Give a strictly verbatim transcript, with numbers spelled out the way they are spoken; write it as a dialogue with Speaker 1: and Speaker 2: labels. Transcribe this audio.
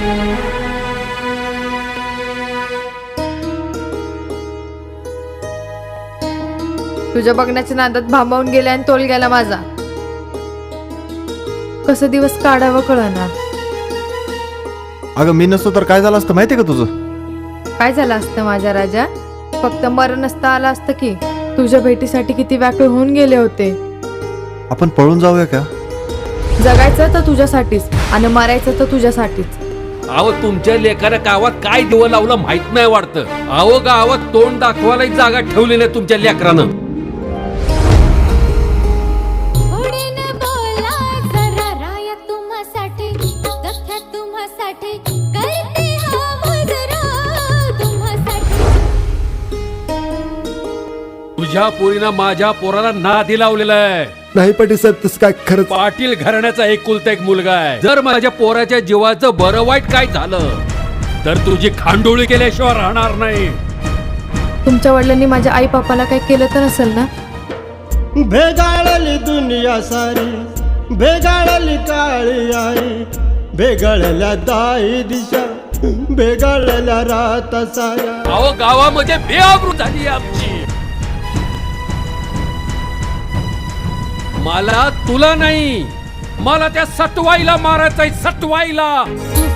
Speaker 1: तुझ्या बघण्याच्या नादात भांबावून गेला आणि तोल गेला माझा. कसं दिवस काढावं कळणार.
Speaker 2: अगं मी नसतो तर काय झालं असतं माहितीये का तुझं?
Speaker 1: काय झालं असतं माझ्या राजा? फक्त मरण नसता आलं असतं की. तुझ्या भेटीसाठी किती व्याकुळ होऊन गेले होते.
Speaker 2: आपण पळून जाऊया का?
Speaker 1: जगायचं तर तुझ्यासाठीच आणि मरायचं तर तुझ्यासाठीच.
Speaker 3: अहो तुमच्या लेकानं गावात काय दिव लावलं माहित नाही वाटतं. अहो गावात तोंड दाखवायला एक जागा ठेवली नाही तुमच्या लेकरानं. तुझ्या पोरीनं माझ्या पोराला नादी लावलेला आहे.
Speaker 2: नाही पाटील साहेब तसं काय खरंच.
Speaker 3: पाटील घराण्याचा एकुलता एक मुलगा आहे. जर माझ्या पोराच्या जीवाचं बरं वाईट काय झालं तर तुझी खांडोळी केल्याशिवाय राहणार नाही.
Speaker 1: तुमच्या वडिलांनी माझ्या आई बापाला काही केलं तर नसेल ना?
Speaker 4: भेगाळली दुनिया सारी, भेगाळली काळी आई, भेगाळल्या दाई दिशा, भेगाळल्या रात साऱ्या.
Speaker 3: अहो गावामध्ये बेआबरू झाली आमची. मला तुला नाही, मला त्या सटवाईला मारायचंय, सटवाईला.